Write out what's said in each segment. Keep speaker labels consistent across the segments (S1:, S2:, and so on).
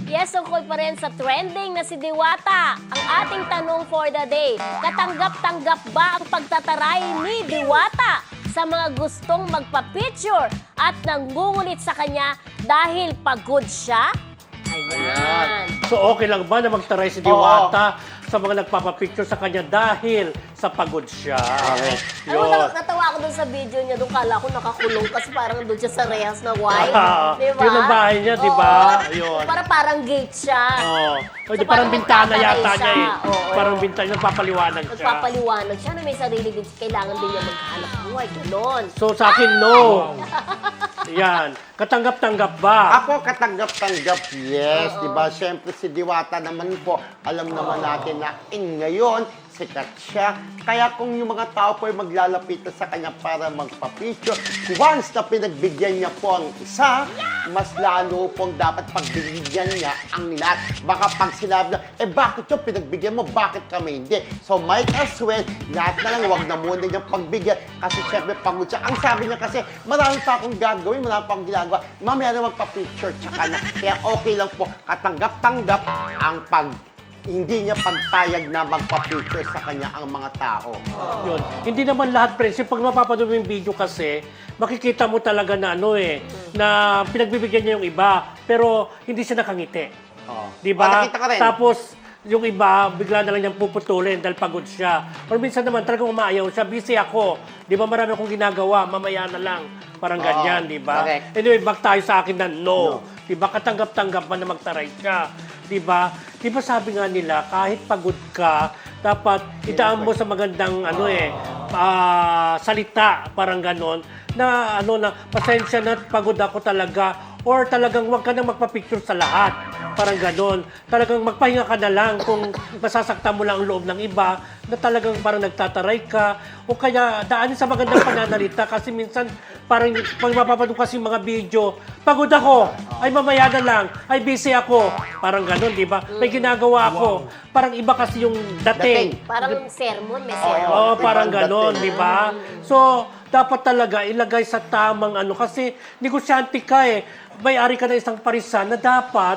S1: Yes, tungkol pa rin sa trending na si Diwata. Ang ating tanong for the day, katanggap-tanggap ba ang pagtataray ni Diwata sa mga gustong magpa-picture at nangungulit sa kanya dahil pagod siya? Ayan.
S2: So okay lang ba na magtaray si Diwata sa mga nagpapapicture sa kanya dahil sa pagod siya?
S1: Alam mo, natawa ako dun sa video niya, dun kala ko nakakulong kasi parang dun siya sa rehas na white. Diba?
S2: Yun ang bahay niya, di ba? Yun.
S1: Parang gate siya.
S2: O,
S1: So,
S2: parang bintana
S1: magtataray
S2: yata niya
S1: siya.
S2: eh.
S1: Oo.
S2: Parang bintana, nagpapaliwanag siya.
S1: Nagpapaliwanag siya na may sarili din. Kailangan din niya maghanap buhay. Ganon.
S2: So sa akin, no. Yan. Katanggap-tanggap ba?
S3: Ako katanggap-tanggap, yes. Diba? Siyempre si Diwata naman po, alam naman natin na ngayon, sikat siya. Kaya kung yung mga tao po ay maglalapitan sa kanya para magpa-picture, once na pinagbigyan niya po ang isa, mas lalo pong dapat pagbigyan niya ang lahat. Baka pag sinabi na, bakit yung pinagbigyan mo? Bakit kami hindi? So might as well, lahat na lang, wag na muna niyang pagbigyan kasi syempre pagod siya. Ang sabi niya kasi, marami pa akong gagawin, marami pa akong ginagawa. Mamaya na magpa-picture, tsaka na. Kaya okay lang po, katanggap-tanggap ang hindi niya pagpayag na magpa-picture sa kanya ang mga tao.
S2: Yun. Hindi naman lahat, friends. Pag mapapanood mo yung video kasi, makikita mo talaga na na pinagbibigyan niya yung iba, pero hindi siya nakangiti. Di ba?
S3: Nakita ka rin.
S2: Tapos, yung iba, bigla na lang niyang puputulin dahil pagod siya. Or minsan naman, talagang umaayaw siya. Busy ako. Di ba marami akong ginagawa, mamaya na lang. Parang ganyan, di ba?
S3: Correct.
S2: Anyway, back tayo sa akin na no. Di ba? Katanggap-tanggap man na magtaray siya. Di ba? Di ba sabi nga nila, kahit pagod ka, dapat itaan mo sa magandang salita, parang ganon, na pasensya na pagod ako talaga, or talagang wag ka nang magpa-picture sa lahat. Parang ganon. Talagang magpahinga ka na lang kung masasaktan mo lang ang loob ng iba, na talagang parang nagtataray ka, o kaya daanin sa magandang pananalita kasi minsan parang pag mapapanood kasi mga video, pagod ako, ay mamaya na lang, ay busy ako. Parang ganon, di ba? May ginagawa ako. Parang iba kasi yung dating.
S1: Parang sermon, may sermon.
S2: Oo, parang ganon, di ba? So, dapat talaga ilagay sa tamang kasi negosyante ka may-ari ka na isang parisan na dapat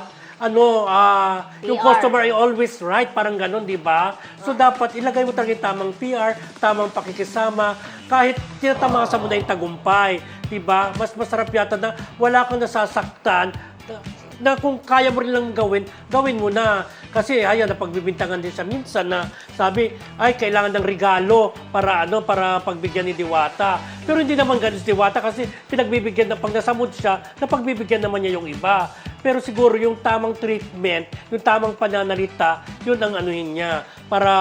S2: yung
S1: PR.
S2: customer ay always right, parang ganon, di ba? So, dapat ilagay mo talaga yung tamang PR, tamang pakikisama, kahit tinatamasa mo na yung tagumpay, di ba? Mas masarap yata na wala kang nasasaktan, na kung kaya mo rin lang gawin mo na. Kasi ayan, napagbibintangan din siya minsan na sabi, ay, kailangan ng regalo para pagbigyan ni Diwata. Pero hindi naman ganun si Diwata kasi pinagbibigyan na pag nasamod siya, napagbibigyan naman niya yung iba. Pero siguro yung tamang treatment, yung tamang pananalita, yun ang anuhin niya. Para,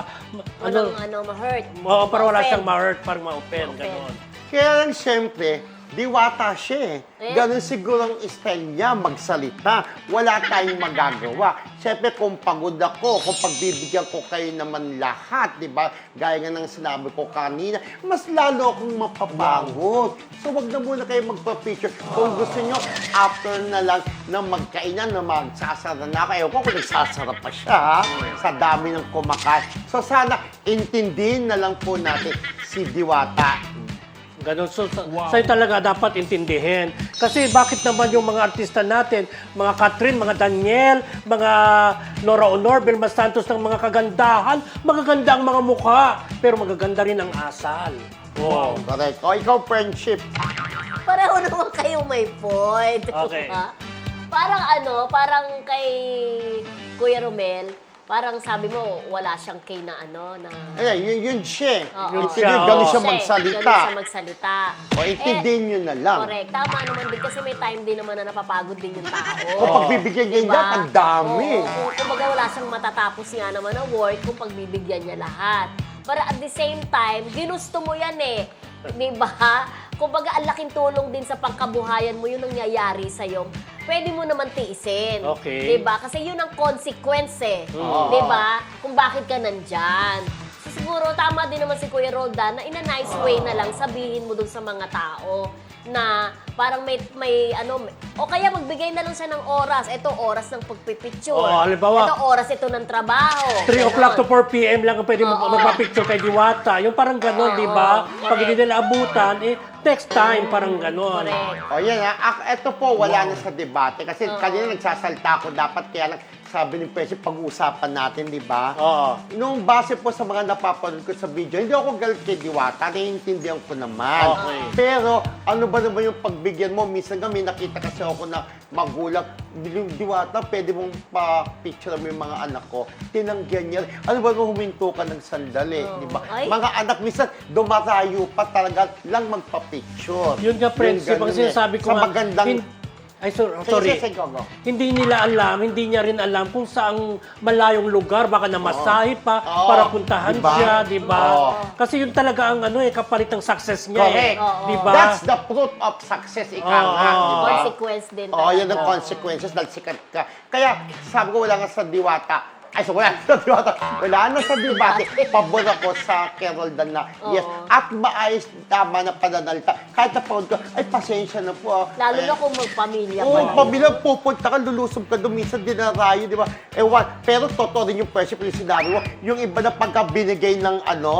S1: ma-hurt.
S2: para wala siyang ma-hurt, parang ma-open, gano'n.
S3: Kaya lang siyempre, Diwata siya Ganun siguro ang style niya, magsalita. Wala tayong magagawa. Siyempre, kung pagod ako, kung pagbibigyan ko kayo naman lahat, di ba? Gaya nga ng sinabi ko kanina, mas lalo akong mapapagod. So, wag na muna kayo magpa-picture. Kung gusto nyo, after na lang na magkainan, na magsasara na ako. Ewan ko kung nagsasara pa siya, sa dami ng kumakain. So, sana intindihin na lang po natin si Diwata.
S2: Ganun. So, sa'yo talaga dapat intindihin. Kasi bakit naman yung mga artista natin, mga Catherine, mga Daniel, mga Nora Honor, Vilma Santos ng mga kagandahan, magaganda ang mga mukha, pero magaganda rin ang asal.
S3: Wow. Correct. O, ikaw, friendship.
S1: Pareho naman kayo may point.
S2: Okay.
S1: Diba? Parang kay Kuya Romel, parang sabi mo, wala siyang kay na
S3: Yun siya.
S1: Oo.
S3: Ganun siya magsalita.
S1: Ganun siya magsalita.
S3: O, intindihin nyo na lang.
S1: Correct. Tama naman din kasi may time din naman na napapagod din yung tao.
S3: Kung pagbibigyan niya
S1: Diba?
S3: lahat, ang dami.
S1: Oo. Kumbaga wala siyang matatapos nga naman na work kung pagbibigyan niya lahat. Pero at the same time, ginusto mo yan Diba? Kumbaga, ang laking tulong din sa pangkabuhayan mo yung nangyayari sa'yo. Pwede mo naman tiisin.
S2: Okay.
S1: Diba? Kasi yun ang consequence Diba? Kung bakit ka nandyan. So, siguro, tama din naman si Kuya Roldan na in a nice way na lang sabihin mo dun sa mga tao na parang o kaya magbigay na lang siya ng oras. Ito, oras ng pagpipicture.
S2: Halimbawa,
S1: ito, oras ito ng trabaho.
S2: 3 o'clock to 4 p.m. lang ang pwede magpa-picture kay Diwata. Yung parang gano'n, di ba? Pag hindi nila abutan, next time, parang ganon.
S1: Correct.
S3: O yan ha, ito po, wala na sa debate. Kasi kanina nagsasalta ako, dapat kaya lang, sabi ni Presi, pag-uusapan natin, di ba?
S2: Oo.
S3: Nung base po sa mga napapanood ko sa video, hindi ako galit kay Diwata, naiintindihan ko naman.
S2: Okay.
S3: Pero, ano ba naman yung pagbigyan mo? Minsan nga may nakita kasi ako na magulang, Diwata, pwede mong pa-picture mo yung mga anak ko. Tinanggihan niya. Ano ba nung huminto ka ng sandali, di ba?
S1: Ay.
S3: Mga anak, minsan dumarayo pa talaga lang magpa-picture.
S2: Yun nga, Prince,
S3: Yung
S2: ang
S3: ganun
S2: sinasabi ko
S3: Sa magandang...
S2: sorry.
S3: Sige, go.
S2: Hindi nila alam, hindi niya rin alam kung saang malayong lugar, baka namasahe pa
S3: Oo.
S2: para puntahan
S3: Diba?
S2: siya, di ba?
S3: Oo.
S2: Kasi yun talaga ang kapalit ng success niya
S3: Correct.
S2: eh. Di ba?
S3: That's the fruit of success, ika nga,
S2: Oo.
S3: di ba?
S1: Consequence din
S3: Oo, yan ang
S1: talaga.
S3: consequences dahil sikat ka. Kaya, sabi ko, wala nga sa Diwata. Ay, so wala sa Diwata. Wala na sa debate. Pabor ako sa Carol Dan na, yes. At maayos, tama na pananalita. Kahit napanood ko, ay, pasensya na po.
S1: Lalo na kung magpamilya
S3: Oo,
S1: kayo.
S3: pabilang pupunta ka, lulusob ka doon, minsan dinarayo, di ba? Ewan, pero totoo rin yung presyo, yung sinabi mo, yung iba na pagka binigay ng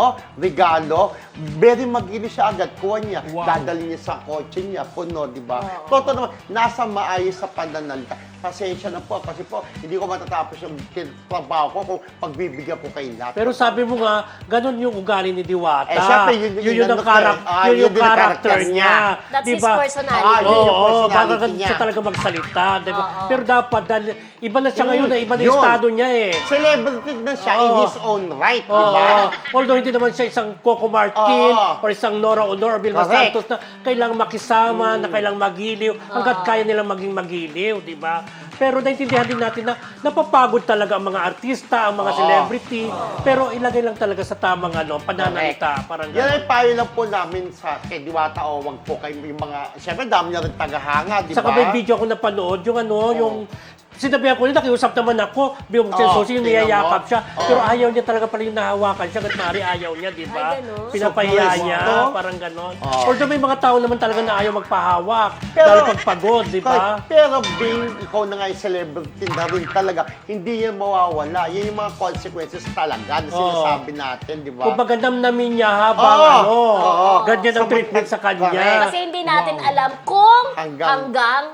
S3: regalo, very mag-ini siya agad, kuha niya, dadali niya sa kotse niya, puno, di ba? Totoo naman, nasa maayos sa pananalita. Pasensya na po, kasi po, hindi ko matatapos yung trabaho ko kung pagbibigyan ko kay lahat.
S2: Pero sabi mo nga, ganun yung ugali ni Diwata.
S3: Eh, syempre, yun
S2: ang
S3: ang
S2: yun yung
S3: character
S2: character
S3: niya.
S2: niya.
S1: That's
S2: Di
S1: his
S2: ba?
S1: personality.
S3: Yun yung
S2: Oo,
S3: personality
S2: baka ganun
S3: niya.
S2: siya talaga magsalita. Di ba?
S1: Oo.
S2: Pero dapat, dahil iba na siya ngayon, iba na
S3: Yun.
S2: yung estado niya eh.
S3: Celebrity na siya in
S2: Oo.
S3: his own right, di
S2: Oo.
S3: ba?
S2: Although hindi naman siya isang Coco Martin
S3: Oo.
S2: or isang Nora Honor or Vilma
S3: Correct.
S2: Santos na kailangang makisama, na kailangang magiliw, hanggat kaya nilang maging magiliw, di ba? Pero naintindihan din natin na napapagod talaga ang mga artista, ang mga celebrity, pero ilagay lang talaga sa tamang pananalita. Parang
S3: Yan
S2: gano'n.
S3: ay payo lang po namin sa kay Diwata o wag po kayo yung mga, siyempre dami na rin tagahanga, di ba?
S2: Saka may video ako napanood, yung sinabihan ko, nakiusap naman ako, biyong Susi, yung
S3: tingnan mo.
S2: niyayakap siya, pero ayaw niya talaga pala yung nahawakan siya, at maaari ayaw niya, di ba?
S1: Ay, ganun.
S2: Pinapahiya
S3: So,
S2: niya,
S3: no?
S2: parang gano'n.
S3: Oo.
S2: Although may mga tao naman talaga na ayaw magpahawak,
S3: Pero-
S2: dahil pagpagod, di ba?
S3: Pero being ikaw na nga yung celebrity na rin talaga, hindi yan mawawala. Yan yung mga consequences talaga na sinasabi natin, di ba?
S2: Kumbaga namnamin niya habang
S3: Oo.
S2: ganyan ang
S3: So,
S2: treatment sa
S3: correct.
S2: kanya.
S1: Kasi hindi natin alam kung
S3: Hanggang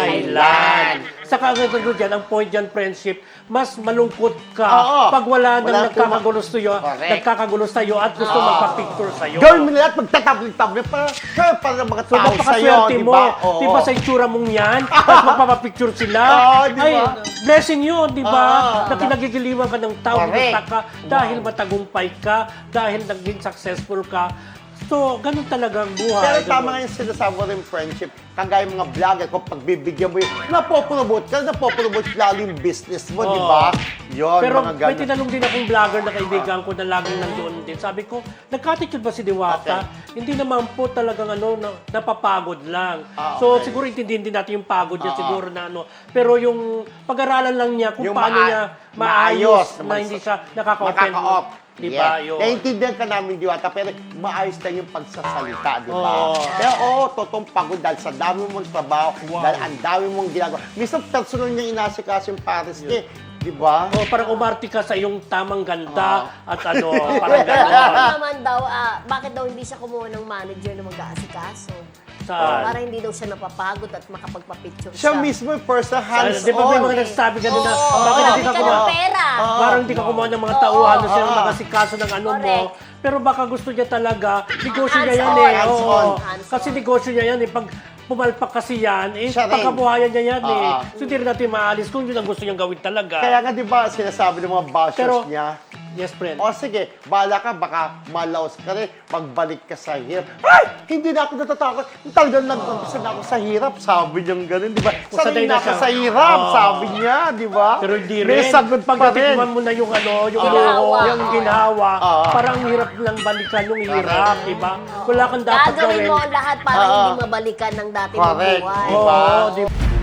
S2: Kailan? Saka ang gagawin dyan, ang point dyan, friendship, mas malungkot ka
S3: Oo.
S2: pag wala nang
S3: Wala
S2: nagkakagulo sa'yo,
S3: Correct.
S2: at gusto magpa-picture sa'yo.
S3: Gawin mo na lahat, magtatabli-tabli para mga
S2: So,
S3: tao sa'yo,
S2: napakaswerte
S3: di
S2: mo.
S3: ba? Oo.
S2: Di ba sa itsura mong yan? Tapos magpapapicture sila.
S3: Oo, di ba?
S2: Ay, blessing yun, di ba?
S3: Oo.
S2: Na kinagigiliwan ka ng tao,
S3: Correct.
S2: binunta ka, dahil matagumpay ka, dahil naging successful ka. So, ganun talaga ang buhay.
S3: Pero
S2: Ganun.
S3: tama nga yung sinasabi ko rin friendship, kagaya mga vlogger, kung pagbibigyan mo yun, napopromote lalo yung business mo, di ba? Yun,
S2: Pero
S3: mga
S2: may
S3: ganun.
S2: tinanong din akong vlogger na kaibigan ko na laging nandoon din. Sabi ko, nagkatitude ba si Diwata? Hindi naman po talagang napapagod lang. So
S3: Okay.
S2: siguro intindihin din natin yung pagod niya siguro na Pero yung pag-aralan lang niya kung
S3: Yung
S2: paano niya maayos na hindi siya nakaka-open.
S3: Makaka-off.
S2: Di ba?
S3: Yeah.
S2: Yun.
S3: Naiintindihan ka namin, Diwata, pero maayos lang yung pagsasalita, di ba?
S2: Oo.
S3: Pero totoong pagod dahil sa dami mong trabaho, dahil ang dami mong ginagawa. Minsan personal niya inasikaso yung Paris niya, di ba?
S2: O parang umarte ka sa iyong tamang ganda at parang
S1: Bakit
S2: gano'n.
S1: naman daw, bakit daw hindi siya kumuha ng manager na mag-aasikaso?
S2: Saan?
S1: Para hindi daw siya napapagod at makapagpa-picture
S3: Siya
S1: siya.
S3: mismo yung person hands-on.
S2: Di ba may mga nagsasabi gano'n na,
S1: Oo,
S2: bakit hindi ka
S1: hindi ka
S2: kumuha?
S1: ng pera.
S2: Parang hindi ka kumuha ng mga
S1: Oo,
S2: tauhan na
S1: oo,
S2: silang
S3: oo.
S2: magasikaso ng mo.
S1: Correct.
S2: Pero baka gusto niya talaga, negosyo niya yan
S1: Hands-on.
S2: eh. Oo.
S3: Hands-on.
S2: Kasi negosyo niya yan eh. Pag pumalpak kasi yan,
S3: Siya rin.
S2: pagkabuhayan niya yan eh.
S3: Oo.
S2: So hindi rin natin maalis kung yun ang gusto niyang gawin talaga.
S3: Kaya nga, di ba, sinasabi ng mga bashers
S2: Pero-
S3: niya,
S2: Yes, friend.
S3: o sige, bahala ka, baka malaos ka rin, magbalik ka sa hirap. Ay! Hindi na ako natatakot. Talagang nag-umpisa na ako sa hirap. Sabi niya gano'n, di ba?
S2: Sanay
S3: Sanay
S2: na
S3: na ako
S2: siya.
S3: sa hirap,
S2: Oo.
S3: sabi niya, di ba?
S2: Pero hindi
S3: May
S2: rin.
S3: sagot
S2: Pag
S3: pa rin.
S2: natikman mo na yung yung
S1: Ginhawa.
S2: luho, yung ginhawa,
S3: Oo.
S2: parang hirap lang balikan yung hirap, di ba? Wala kang dapat
S1: Gagawin
S2: gawin.
S1: mo ang lahat para
S3: Oo.
S1: hindi mabalikan ng dati mong
S3: Correct.
S1: buhay.
S3: Diba?
S2: Oo, di ba?